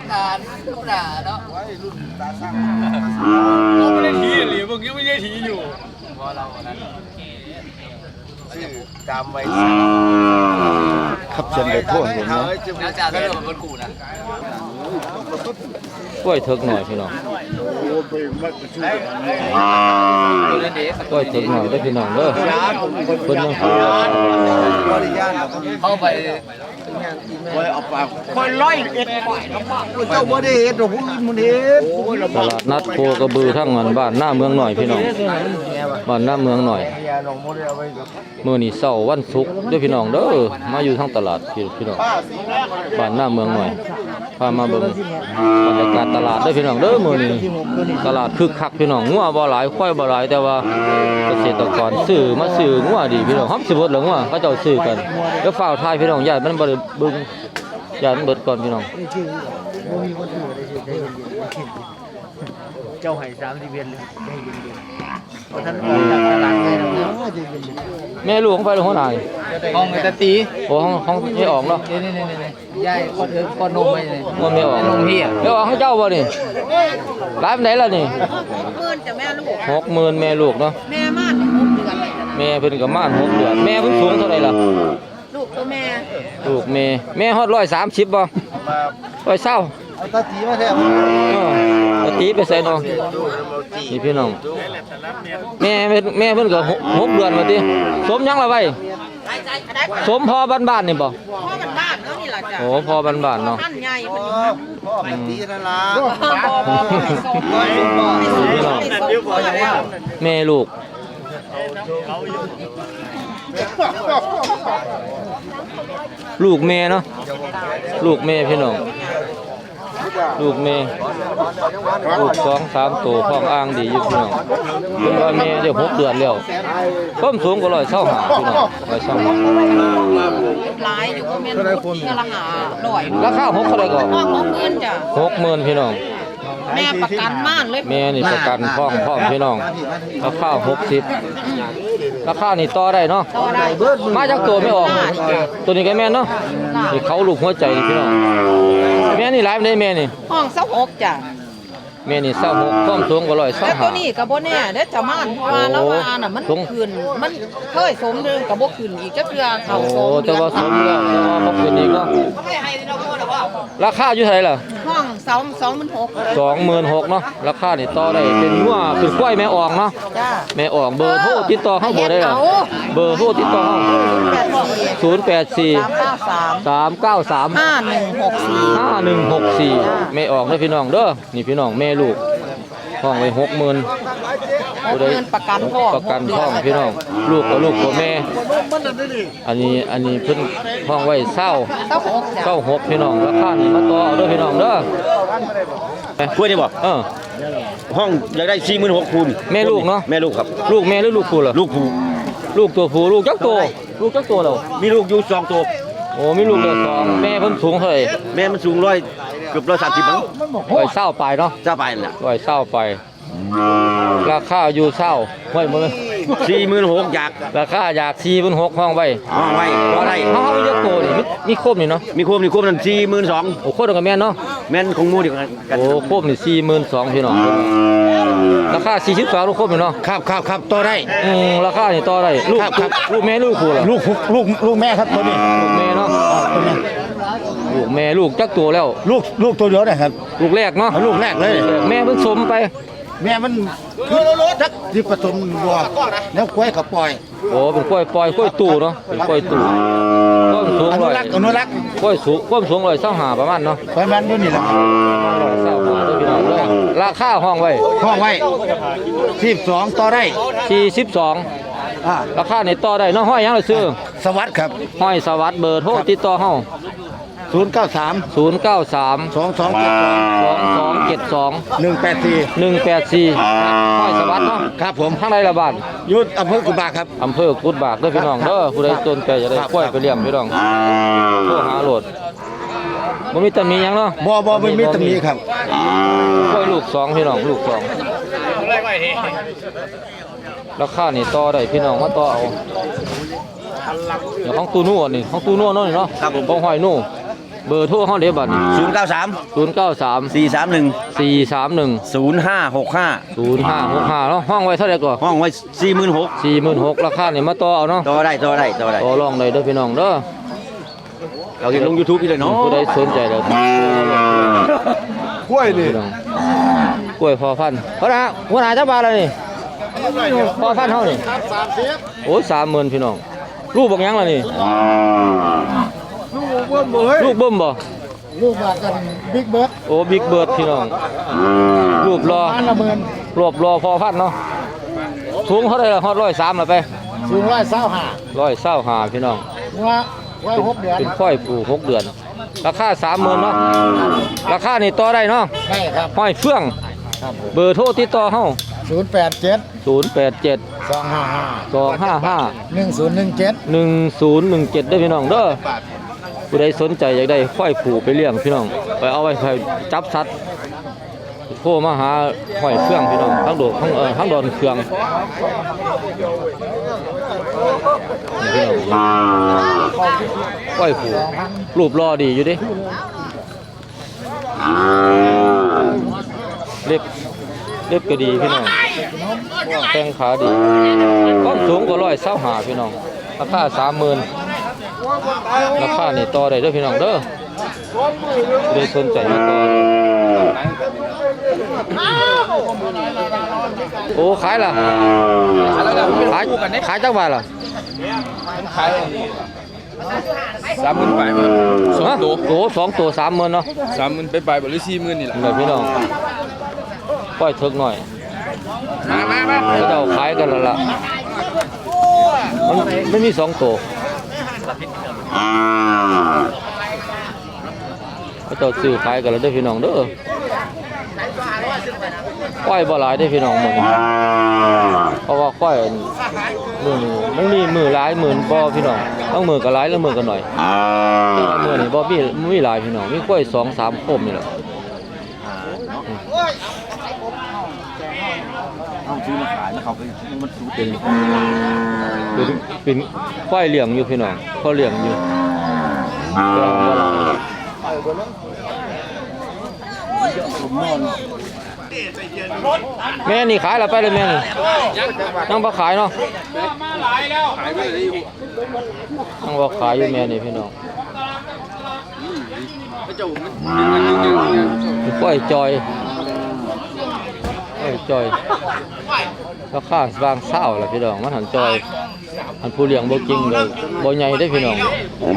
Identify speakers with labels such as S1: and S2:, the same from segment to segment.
S1: นานธรรมดาเนาะ
S2: เราไม่ได้ทีหรือพวกนี้ไม่ได้ทีอยู่พอเรานั้น
S3: ชื่อจำไว้
S4: ขับเชิญไปทั่วเห็นไหม
S1: แล้วจะได้เรื่องคนกูนะ
S5: กล้วยเถิกหน่อยพี่น้องกล้วยเถิกหน่อยได้พี่น้องเด้อเพิ่นยัง
S1: เข้าไป
S3: คนร้อยเอ็ดเจ้าบ่ได้เอ็ดหรอกผู้อื่นมันเอ็ด
S5: ตลาดนัดโคกระบือทั้งบ้านหน้าเมืองหน่อยพี่น้องบ้านหน้าเมืองหน่อยมื้อนี้เช้าวันศุกร์เด้อพี่น้องเด้อมาอยู่ทางตลาดพี่น้องบ้านหน้าเมืองหน่อยพามาเบิ่งบรรยากาศตลาดเด้อพี่น้องเด้อมื้อนี้ตลาดคึกคักพี่น้องงัวบ่หลายควายบ่หลายแต่ว่าเกษตรกรซื้อมาซื้องัวดีพี่น้องฮับสิเบิดแล้วงัวเขาเจ้าซื้อกันแล้วฝ้าวทายพี่น้องญาติมันบ่ได้เบิ่งญาติมันเบิดก่อนพี่น้อง
S3: เจ้าไห้30เวียนเลยให้เย็นๆเพราะท่านออกจากตลาดเลยนะ
S5: แม่ลูกของไฟลงหัวหน้านี่
S1: ห้องไอ้ตะตี
S5: โอ้ห้องไม่ออกเนาะ
S1: นี่ยายคนนมไปเลย
S5: มันไม่ออก
S1: นมพี่อ่ะ
S5: ไม่ออกให้เจ้าบ่นี่ร้านไหนล่ะนี่
S6: 60,000จ้ะแม่ลูก
S5: 60,000แม่ลูกเนาะ
S6: แม่ม่าน6เดือนเลยจ้ะ
S5: แม่เพิ่นก็ม่าน6เดือนแม่เพิ่นสูงเท่าไหร่ล่ะ
S6: ลูกตัวแม่
S5: ลูกแม่ฮอด130บ่120
S3: เอาตาจีมาแทบ
S5: ตะตีไปใส่เนาะนี่พี่น้องแม่เพิ่นก็6เดือนว่าติสมยังล่ะไว้สมพอบ้านๆนี่บ่
S6: พ่อมันบ้านเนาะนี่ล่ะจ้ะ
S5: โอ้พอบ้านๆเนาะ
S6: ท่านใหญ่เพิ่น
S3: พ่อไอ้ตีนั่นล่ะ
S6: บ่ให้ส่งบ่ให้ส่ง
S5: พี่น้อง
S6: แล้ว
S5: แม่ลูกลูกแม่เนาะลูกแม่พี่น้องลูกแม่ลูก2-3ตัวท้องอ่างดีอยู่พี่น้องเพิ่นว่าแม่ได้6เดือนแล้วความสูงก็125พี่น้อง125
S6: หลายอยู่ก็แม่นเทื่อละ500
S5: ราคา6เท่าไหร่ก็
S6: พ่อ60,000จ้ะ
S5: 60,000พี่น้อง
S6: แม่ประกันม่านเลย
S5: แม่นี่ประกันพร้อมพี่น้องราคา60ราคานี่ต่อได้เนาะ
S6: ต่อได้
S5: มาจากตัวไม่ออกตัวนี้ก็แม่นเนาะนี่เขาลูกหัวใจนี่พี่น้องแม่นี่หลายปานใดแม่นี่
S6: ห้อง26จ้ะ
S5: แม่นี่26ความสูงก็
S6: แล้วตัวนี้ก็บ่แน่เด้อจ้ะม่านเพราะว่าแล้วว่าน่ะมันขึ้นมันเคยสมนึงก็บ่ขึ้นอีกจักเทื่อเข้า
S5: โอ้
S6: สม
S5: แต่ว่าสมแล้วแต่ว่าบ่ขึ้นอีกเนาะราคาอยู่เท่าไหร่ล่ะ
S6: ห้อง26,000
S5: 26,000เนาะราคานี่ต่อได้เป็นงัวเป็นกล้วยแม่ออกเนาะ
S6: จ้ะ
S5: แม่ออกเบอร์โทรติดต่อเฮาบ่ได้ล่ะเบอร์โทรติดต่อเฮา084 393 5164แม่ออกเด้อพี่น้องเด้อนี่พี่น้องแม่ลูกห้องไว้60,000
S6: 60,000ประกันพ่อ
S5: ประกันท้องพี่น้องลูกกับลูกกับแม่อันนี้เพิ่นห้องไว้26พี่น้องราคานี่มาต่อเอาเด้อพี่น้องเด้อ
S4: คุยได้บ่ ห้องอยากได้46,000คูณ
S5: แม่ลูกเนาะ
S4: แม่ลูกครับ
S5: ลูกแม่หรือลูกผู้ล่ะ
S4: ลูกผู้
S5: ลูกตัวผู้ลูกจักตัวแล้ว
S4: มีลูกอยู่2ตัว
S5: โอ้มีลูกเดียวสองแม่เพิ่นสูงเท่าไหร่
S4: แม่มันสูงเกือบ130มั้ง
S5: 120ปลายเนาะ
S4: จะไปนั่นแหละ
S5: 120ปลายราคาอยู่เศร้าไว้หมดเลย
S4: 46,000อยาก
S5: ราคาอยาก46,000ห้องไว้
S4: ห้องไว้บ่ได้
S5: เฮามีจักตัวนี่มีครบนี่เนาะ
S4: มีโคมนั่น42,000
S5: โอ้โคตรกับแม่นเนาะ
S4: แม่นของหมู่เดียวกัน
S5: โอ้ครบนี่42,000พี่น้องราคา42ลูกครบนี่เนาะ
S4: ครับต่อได้
S5: ราคานี่ต่อได้ลูก
S4: ครับ
S5: ลูกแม่ลูกผู้ล่ะ
S4: ลูกแม่ครับตัวนี้
S5: ลูกแม่เนาะลูกแม่ลูกจักตัวแล้ว
S4: ลูกตัวเดียวนะครับ
S5: ลูกแรกเนาะ
S4: ลูกแรกเลย
S5: แม่เพิ่นสมไป
S4: แม่มันคือทักที่ผสมวัวแล้วกล้วยก็ปล่อย
S5: โอ้เป็นกล้วยปล่อยกล้วยตู่เนาะเป็นกล้วยตู่ต้นสูง
S4: อนุรักษ์
S5: กล้วยสูงความสูง125ประมาณเนาะ
S4: ประมาณนี้นี่แหละ
S5: 125เด้อพี่น้องเด้อราคาห้องไว้
S4: ห้องไว้12ต่อได้
S5: 42ราคานี่ต่อได้เนาะห้อยหยังล่ะซื้อ
S4: สวัสดิ์ครับ
S5: ห้อยสวัสดิ์เบอร์โทรติดต่อเฮา
S4: 093
S5: 093
S4: 2272
S5: 2272
S4: 184
S5: 184ห้อยสวัสดิ์เนาะ
S4: ครับผม
S5: ทางใดละบ้าน
S4: ยุทธอำเภอกุบากครับ
S5: อำเภอกุดบากเด้อพี่น้องเด้อผู้ใดสนใจจะได้กล้วยไปเลี้ยงพี่น้องโทรหาโหลดบ่มีตำหนิหยังเนาะ
S4: บ่ไม่มีตำหนิครับ
S5: กล้วยลูก2พี่น้องลูก2ราคานี่ต่อได้พี่น้องมาต่อเอาเดี๋ยวของตู้นู่นนี่ของตู้นู่นเนาะครับผมของหอยนู่เบอร์โทรเฮาเด้บัดนี้
S4: 093
S5: 093
S4: 431
S5: 431
S4: 0565
S5: 0565เนาะห้องไว้เท่าไหร่ก่อน
S4: ห้องไว้46,000
S5: 46,000ราคานี่มาต่อเอาเนาะ
S4: ต่อได้
S5: ต่อรองได้เด้อพี่น้องเด้อ
S4: เราจะลง YouTube พี่เลยเนาะ
S5: ผู้ใดสนใจแล้ว
S2: กล้วยนี่
S5: พี่น้องกล้วยพอพันธุ์หัวหน้าจักบาทแล้วนี่พอพันธุ์เฮานี่โอ้ย30,000พี่น้องลูกบักหยังล่ะนี่ลูกเบิ่มบ่
S3: ลูกมากันบิ๊กเบิร์ด
S5: โอ้บิ๊กเบิร์ดพี่น้องรูปรอ
S3: อันละหมื่น
S5: รวบรอพอพันธุ์เนาะสูงเท่าไหร่ล่ะฮอด103แล้วไป
S3: สูง125
S5: 125พี่น้อง
S3: ว่าไว้6 เดือน
S5: เป็นค่อยปลูก6 เดือน ราคา 30,000เนาะราคานี่ต่อได้เนาะ
S3: ได้ครับ
S5: ห้อยเฟื่อง
S3: ครับ
S5: เบอร์โทรติดต่อเฮา
S3: 087
S5: 087
S3: 255
S5: 255
S3: 1017
S5: 1017ได้อพี่น้องเด้อผู้ใดสนใจอยากได้ค่อยผูกไปเลี้ยงพี่น้องไปเอาไว้ให้จับสัตว์โทรมาหาห้อยเฟื่องพี่น้องทั้งโดดทั้งดอนเฟืองนี่พี่น้องค่อยผูกรูปรอดีอยู่ดิเล็บก็ดีพี่น้องแข้งขาดีความสูงก็125พี่น้องราคา30,000ราคานี่ต่อได้เด้อพี่น้องเด้อได้สนใจมาต่อโอ้ขายล่ะขายจักบาทล่ะ
S2: ขาย30,000ไปมั้ง2ตัว
S5: โอ้2 ตัว30,000เนาะ
S2: 30,000ไปไปบ่หรือ40,000นี่แหละ
S5: เดี๋ยวพี่น้องปล่อยเถิกหน่อย
S2: มา
S5: เขาเจ้าขายกันแล้วล่ะมันมี2 ตัวเขาเจ้าซื้อขายกันแล้วเด้อพี่น้องเด้อปล่อยบ่หลายเด้อพี่น้องหมดนี้เพราะว่าปล่อยมื้อนี้มันมีมือหลายหมื่นบ่พี่น้องต้องมือก็หลายแล้วมือก็หน่อยมื้อนี้บ่มีหลายพี่น้องมีกล้วย2-3โคมนี่แหละ
S4: เอาซื้อมาขายแล้วเขาไปมันสูตร
S5: เป็นควายเลี้ยงอยู่พี่น้องเขาเลี้ยงอยู่แม่นี่ขายแล้วไปเลยแม่นี่นั่งบ่ขายเนาะ
S2: ขายไปเลยอยู่
S5: นั่งบ่ขายอยู่แม่นี่พี่น้องควายจอยจอยราคาบางเศร้าล่ะพี่น้องมันหันจอยอันผู้เลี้ยงบ่จริงเลยบ่ใหญ่ได้พี่น้อง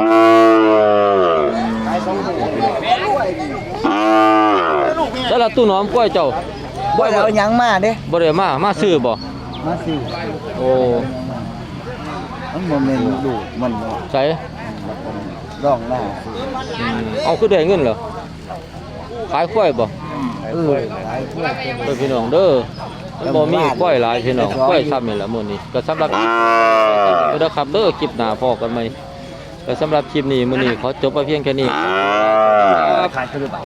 S5: แล้วล่ะตู้หนอมกล้วยเจ้า
S3: บ่ได้เอาหยังมาเด้
S5: บ่ได้มาซื้อบ่
S3: มาสิ
S5: โอ้
S3: มันบ่แม่นลูกมัน
S5: ใส่
S3: ร้องหน้า
S5: เอาคือได้เงินเหรอขายกล้วยบ่
S3: หลายเพื่อน
S5: เด้อพี่น้องเด้อมันบ่มีกล้วยหลายพี่น้องกล้วยซ้ำนี่แหละมื้อนี้ก็สำหรับเด้อครับเด้อคลิปหน้าพอกันใหม่ก็สำหรับคลิปนี้มื้อนี้ขอจบไปเพียงแค่นี้
S3: ขายคือ